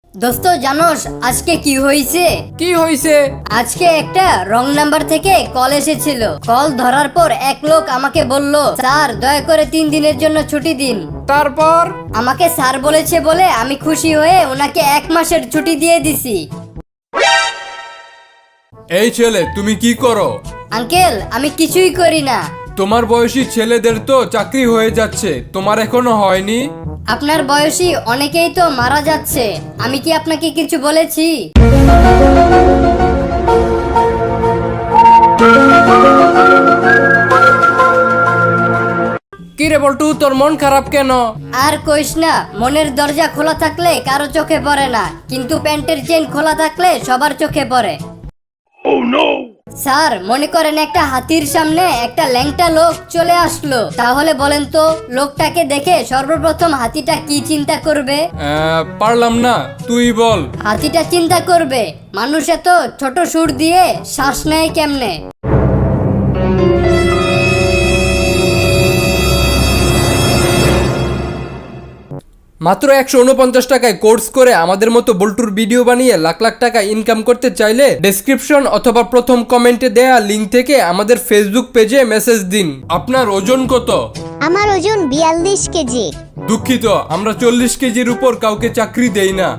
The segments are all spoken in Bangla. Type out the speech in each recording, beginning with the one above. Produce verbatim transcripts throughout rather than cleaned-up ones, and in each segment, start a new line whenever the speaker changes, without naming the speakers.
দোস্ত জানোস আজকে কি হয়েছে?
কি হয়েছে?
আজকে একটা রং নাম্বার থেকে কল এসেছিল। কল ধরার পর এক লোক আমাকে বলল, স্যার দয়া করে তিন দিনের জন্য ছুটি দিন।
তারপর?
আমাকে স্যার বলেছে বলে আমি খুশি হয়ে ওনাকে এক মাসের ছুটি দিয়ে দিছি।
এই ছেলে, তুমি কি করো?
আঙ্কেল আমি কিছুই করি না।
তোমার বয়সী ছেলেদের তো চাকরি হয়ে যাচ্ছে, তোমার এখনো হয়নি?
আপনার বয়সী অনেকেই তো মারা যাচ্ছে, আমি কি আপনাকে কিছু বলেছি?
কি রে বল্টু, তোর মন খারাপ কেন?
আর কইস না, মনের দরজা খোলা থাকলে কারো চোখে পড়ে না, কিন্তু প্যান্টের চেন খোলা থাকলে সবার চোখে পড়ে। স্যার মনে করেন একটা হাতির সামনে একটা ল্যাংটা লোক চলে আসলো, তাহলে বলেন তো লোকটাকে দেখে সর্বপ্রথম হাতিটা কি চিন্তা করবে?
আহ, পারলাম না, তুই বল।
হাতিটা চিন্তা করবে মানুষ এত ছোট সুর দিয়ে শ্বাস নেয় কেমনে।
মাত্র একশো উনপঞ্চাশ টাকায় কোর্স করে আমাদের মতো বল্টুর ভিডিও বানিয়ে লাখ লাখ টাকা ইনকাম করতে চাইলে ডেসক্রিপশন অথবা প্রথম কমেন্টে দেয়া লিঙ্ক থেকে আমাদের ফেসবুক পেজে মেসেজ দিন।
আপনার ওজন কত?
আমার ওজন বিয়াল্লিশ কেজি।
দুঃখিত, আমরা চল্লিশ কেজির উপর কাউকে চাকরি দেই না।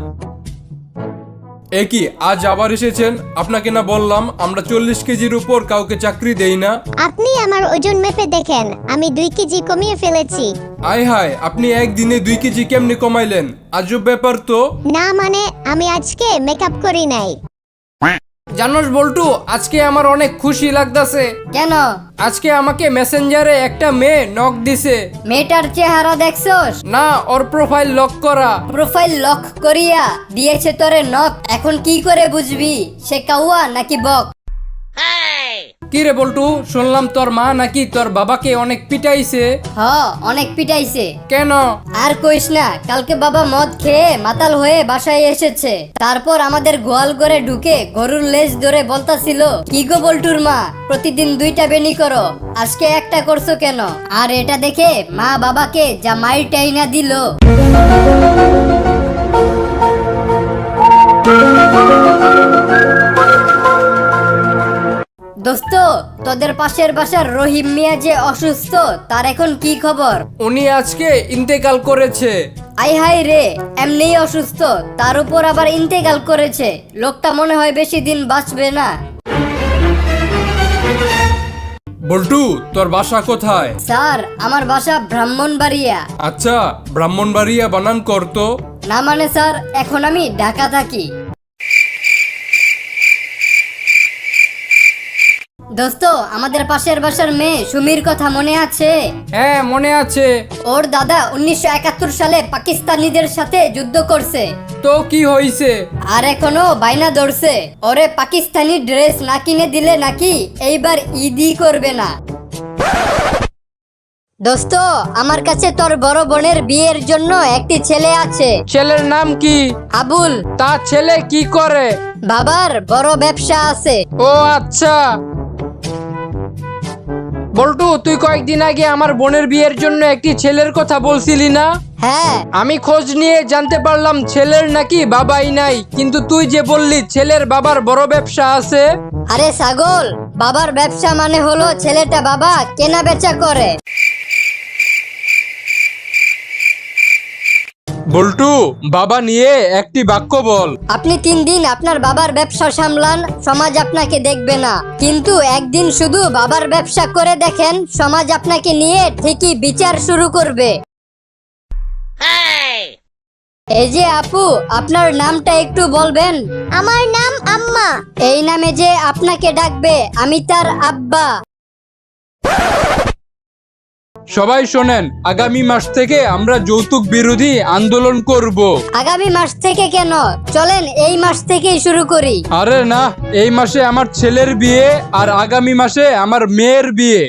এ কি, আজ আবার এসেছেন? আপনাকে না বললাম আমরা চল্লিশ কেজির উপর কাউকে চাকরি দেই না?
আপনি আমার ওজন মেপে দেখেন, আমি দুই কেজি কমিয়ে ফেলেছি।
আয় হায়, আপনি একদিনে দুই কেজি কেমনে কমাইলেন? আজব ব্যাপার তো।
না মানে আমি আজকে মেকআপ করি নাই।
জানোস বল্টু, আজকে আমার অনেক খুশি লাগতাছে।
কেন?
আজকে আমাকে মেসেঞ্জারে একটা মেয়ে নক দিছে।
মেয়েটার চেহারা দেখছস?
না, ওর প্রোফাইল লক করা।
প্রোফাইল লক করিয়া দিয়েছে তোরে নক, এখন কি করে বুঝবি সে কাউয়া নাকি বক?
কি রে বল্টু, শুনলাম তোর মা নাকি তোর বাবাকে অনেক পিটাইছে।
হ অনেক পিটাইছে।
কেন?
আর কইস না, কালকে বাবা মদ খেয়ে মাতাল হয়ে বাসায় এসেছে, তারপর আমাদের গোয়াল ঘরে ঢুকে গরুর লেজ ধরে বলতাছিল, কি গো বল্টুর মা, প্রতিদিন দুইটা বেনি করো, আজকে একটা করছো কেন? আর এটা দেখে মা বাবাকে যা মাইর টাইনা দিল। দোস্ত তোদের পাশের বাসার রহিম মিয়া যে অসুস্থ, তার এখন কি খবর?
উনি আজকে ইন্তেকাল করেছে।
আই হাই রে, এমনিই অসুস্থ তার উপর আবার ইন্তেকাল করেছে, লোকটা মনে হয় বেশি দিন বাঁচবে না।
বল্টু, তোর বাসা কোথায়?
স্যার আমার বাসা ব্রাহ্মণবাড়িয়া।
আচ্ছা, ব্রাহ্মণবাড়িয়া বানান করতো।
না মানে স্যার, এখন আমি ঢাকা থাকি। দোস্ত আমাদের পাশের বাসার মেয়ে সুমির কথা মনে আছে?
হ্যাঁ মনে আছে।
ওর দাদা উনিশশো একাত্তর সালে পাকিস্তানিদের সাথে যুদ্ধ করছে।
তো কি হইছে?
আর এখনো বাইনা ধরছে, ওরে পাকিস্তানি ড্রেস না কিনে দিলে নাকি এইবার ঈদই করবে না। দোস্ত আমার কাছে তোর বড় বোনের বিয়ের জন্য একটি ছেলে আছে।
ছেলের নাম কি?
আবুল।
তা ছেলে কি করে?
বাবার বড় ব্যবসা আছে।
ও আচ্ছা। বল্টু, তুই কয়েকদিন আগে আমার বোনের বিয়ের জন্য একটি ছেলের কথা বলছিলি না?
হ্যাঁ
আমি খোঁজ নিয়ে জানতে পারলাম ছেলের নাকি বাবাই নাই, কিন্তু তুই যে বললি ছেলের বাবার বড় ব্যবসা আছে।
আরে ছাগল, বাবার ব্যবসা মানে হলো ছেলেটা বাবা কেনা বেচা করে।
বল্টু, বাবা নিয়ে একটি বাক্য বল।
আপনি তিন দিন আপনার বাবার ব্যবসা সামলান, সমাজ আপনাকে দেখবে না, কিন্তু একদিন শুধু বাবার ব্যবসা করে দেখেন, সমাজ আপনাকে নিয়ে ঠিকই বিচার শুরু করবে। এই যে আপু, আপনার নামটা একটু বলবেন?
আমার নাম আম্মা।
এই নামে যে আপনাকে ডাকবে আমি তার আব্বা।
সবাই শোনেন, আগামী মাস থেকে আমরা যৌতুক বিরোধী আন্দোলন করব।
আগামী মাস থেকে কেন, চলেন এই মাস থেকেই শুরু করি।
আরে না, এই মাসে আমার ছেলের বিয়ে আর আগামী মাসে আমার মেয়ের বিয়ে।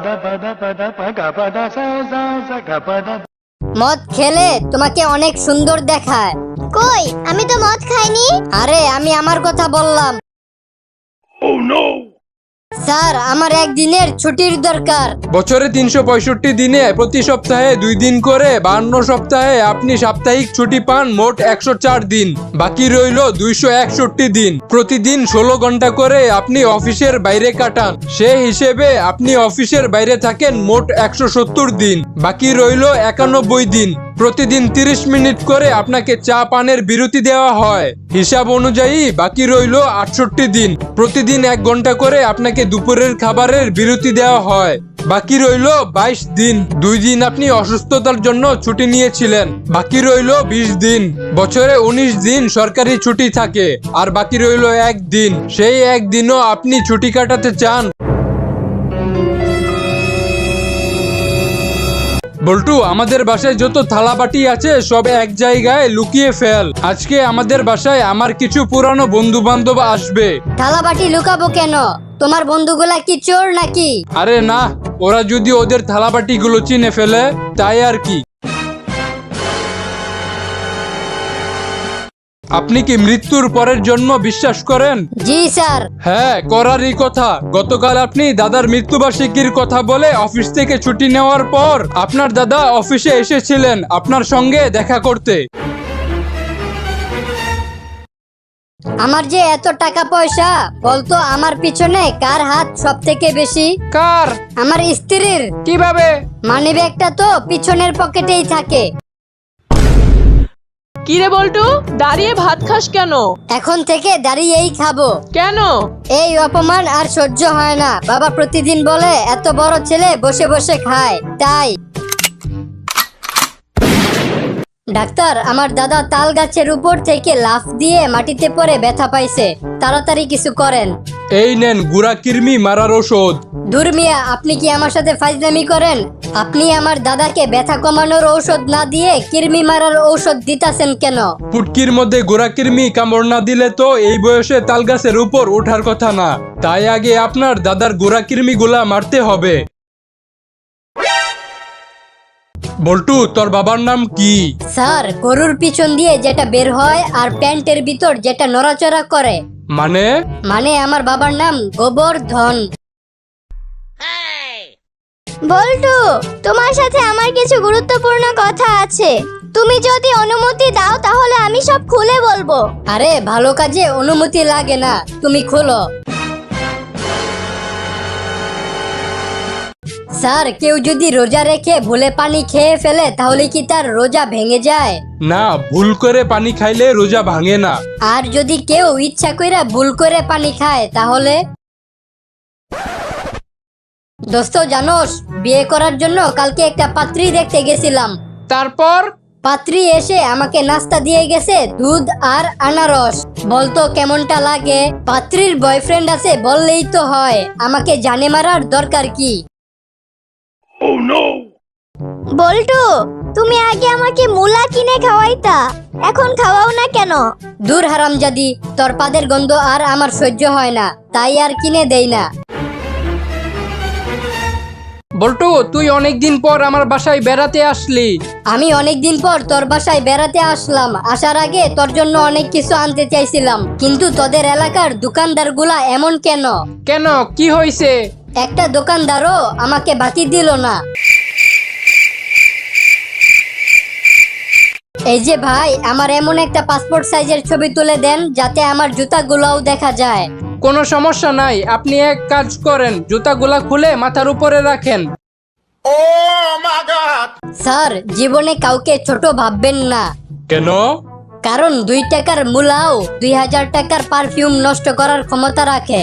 মদ খেলে তোমাকে অনেক সুন্দর দেখায়।
কই, আমি তো মদ খাইনি।
আরে আমি আমার কথা বললাম। স্যার আমার একদিনের ছুটির দরকার।
বছরে তিনশো পঁয়ষট্টি দিনে প্রতি সপ্তাহে দুই দিন করে বান্ন সপ্তাহে আপনি সাপ্তাহিক ছুটি পান মোট একশো চার দিন। বাকি রইল দুইশো একষট্টি দিন। প্রতিদিন ষোলো ঘন্টা করে আপনি অফিসের বাইরে কাটান। সে হিসেবে আপনি অফিসের বাইরে থাকেন মোট একশো সত্তর দিন। বাকি রইল একানব্বই দিন। প্রতিদিন তিরিশ মিনিট করে আপনাকে চা পানের বিরতি দেওয়া হয়। হিসাব অনুযায়ী বাকি রইল আটষট্টি দিন। প্রতিদিন এক ঘন্টা করে আপনাকে দুপুরের খাবারের বিরতি দেওয়া হয়। বাকি রইল বাইশ দিন। দুই দিন আপনি অসুস্থতার জন্য ছুটি নিয়েছিলেন। বাকি রইল বিশ দিন। বছরে উনিশ দিন সরকারি ছুটি থাকে, আর বাকি রইল এক দিন। সেই একদিনও আপনি ছুটি কাটাতে চান? বল্টু, আমাদের বাসায় যত থালা বাটি আছে সব এক জায়গায় লুকিয়ে ফেল। আজকে আমাদের বাসায় আমার কিছু পুরানো বন্ধু বান্ধব আসবে।
থালা বাটি লুকাবো কেন? তোমার বন্ধুগুলা কি চোর নাকি?
আরে না, ওরা যদি ওদের থালা বাটি গুলো চিনে ফেলে তাই আর কি। আপনি কি মৃত্যুর পরের জন্ম বিশ্বাস করেন?
জি স্যার।
হ্যাঁ, করারই কথা। গতকাল আপনি দাদার মৃত্যুবার্ষিকীর কথা বলে অফিস থেকে ছুটি নেওয়ার পর আপনার দাদা অফিসে এসেছিলেন আপনার সঙ্গে দেখা করতে।
আমার যে এত টাকা পয়সা, বলতো আমার পিছনে কার হাত সব থেকে বেশি?
কার?
আমার স্ত্রীর।
কিভাবে?
মানিব্যাগটা তো পিছনের পকেটেই থাকে।
কিরে বল্টু, দাঁড়িয়ে ভাত খাস কেন?
এখন থেকে দাঁড়িয়েই খাবো।
কেন?
এই অপমান আর সহ্য হয় না। বাবা প্রতিদিন বলে এত বড় ছেলে বসে বসে খায়, তাই। ডাক্তার, আমার দাদা তাল গাছের উপর থেকে লাফ দিয়ে মাটিতে পড়ে ব্যথা পাইছে, তাড়াতাড়ি কিছু করেন।
এই নেন গুড়া কৃমি মারার ওষুধ।
দূর মিয়া, আপনি কি আমার সাথে ফাইজলামি করেন? আপনি আমার দাদাকে ব্যথা কমানোর ঔষধ না দিয়ে কৃমি মারার ঔষধ দিতাছেন কেন?
পুটকির মধ্যে গোড়া কৃমি কামড় না দিলে তো এই বয়সে তাল গাছের উপর ওঠার কথা না। তাই আগে আপনার দাদার গোড়া কৃমি গুলা মারতে হবে। বল্টু, তোর বাবার নাম কি?
স্যার, গরুর পিছন দিয়ে যেটা বের হয় আর প্যান্টের ভিতর যেটা নড়াচড়া করে।
মানে?
মানে আমার বাবার নাম গোবর্ধন।
বল্টু, তোমার সাথে আমার কিছু গুরুত্বপূর্ণ কথা আছে। তুমি যদি অনুমতি দাও তাহলে আমি সব খুলে বলবো।
আরে ভালো কাজে অনুমতি লাগে না, তুমি খোলো। স্যার, কেউ যদি রোজা রেখে ভুলে পানি খেয়ে ফেলে তাহলে কি তার রোজা ভেঙে যায়?
না, ভুল করে পানি খাইলে রোজা ভাঙে না।
আর যদি কেউ ইচ্ছা কইরা ভুল করে পানি খায় তাহলে? দোস্ত জানোস, বিয়ে করার জন্য কালকে একটা পাত্রী দেখতে গেছিলাম।
তারপর?
পাত্রী এসে আমাকে নাস্তা দিয়ে গেছে দুধ আর আনারস। বলতো কেমনটা লাগে? পাত্রীর বয়ফ্রেন্ড আছে বললেই তো হয়, আমাকে জানে মারার দরকার কি?
বল্টু, তুমি আগে আমাকে মুলা কিনে খাওয়াইতা, এখন খাওয়াও না কেন?
দূর হারামজাদি, তোর পাদের গন্ধ আর আমার সহ্য হয় না, তাই আর কিনে দেই না।
বল্টু, তুই অনেকদিন পর আমার বাসায় বেড়াতে আসলি।
আমি অনেকদিন পর তোর বাসায় বেড়াতে আসলাম। আসার আগে তোর জন্য অনেক কিছু আনতে চাইছিলাম, কিন্তু তোদের এলাকার দোকানদারগুলা এমন কেন?
কেন, কি হয়েছে?
একটা দোকানদারও আমাকে বাকি দিল না। এই যে ভাই, আমার এমন একটা পাসপোর্ট সাইজের ছবি তুলে দেন যাতে আমার জুতাগুলোও দেখা যায়।
কোনো সমস্যা নাই, আপনি এক কাজ করেন, জুতাগুলা খুলে মাথার উপরে রাখেন।
স্যার, জীবনে কাউকে ছোট ভাববেন না।
কেন?
কারণ দুই টাকার মূলাও দুই হাজার টাকার পারফিউম নষ্ট করার ক্ষমতা রাখে।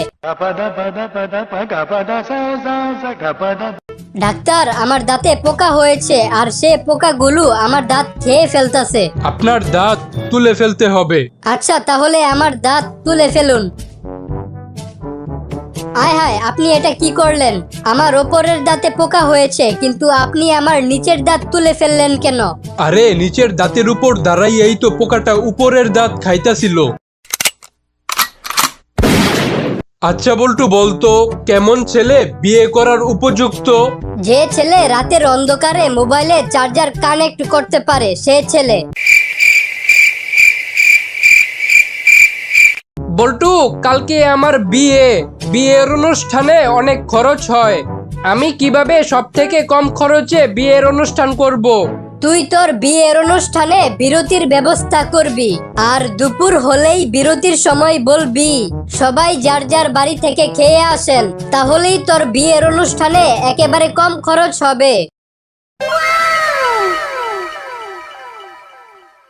ডাক্তার, আমার দাঁতে পোকা হয়েছে আর সে পোকাগুলো আমার দাঁত খেয়ে ফেলতেছে।
আপনার দাঁত তুলে ফেলতে হবে।
আচ্ছা, তাহলে আমার দাঁত তুলে ফেলুন। আয় হায়, আপনি এটা কি করলেন? আমার ওপরের দাঁতে পোকা হয়েছে, কিন্তু আপনি আমার নিচের দাঁত তুলে ফেললেন কেন?
আরে, নিচের দাঁতের উপর দাঁড়াইয়াই তো পোকাটা উপরের দাঁত খাইতাছিল। আচ্ছা বল্টু, বলতো কেমন ছেলে বিয়ে করার উপযুক্ত?
যে ছেলে রাতের অন্ধকারে মোবাইলে চার্জার কানেক্ট করতে পারে, সে ছেলে।
বল্টু, কালকে আমার বিয়ে বিয়ের অনুষ্ঠানে অনেক খরচ হয়। আমি কিভাবে সব থেকে কম খরচে বিয়ের অনুষ্ঠান করব?
তুই তোর বিয়ের অনুষ্ঠানে বিরতির ব্যবস্থা করবি, আর দুপুর হলেই বিরতির সময় বলবি সবাই যার যার বাড়ি থেকে খেয়ে আসেন, তাহলেই তোর বিয়ের অনুষ্ঠানে একেবারে কম খরচ হবে।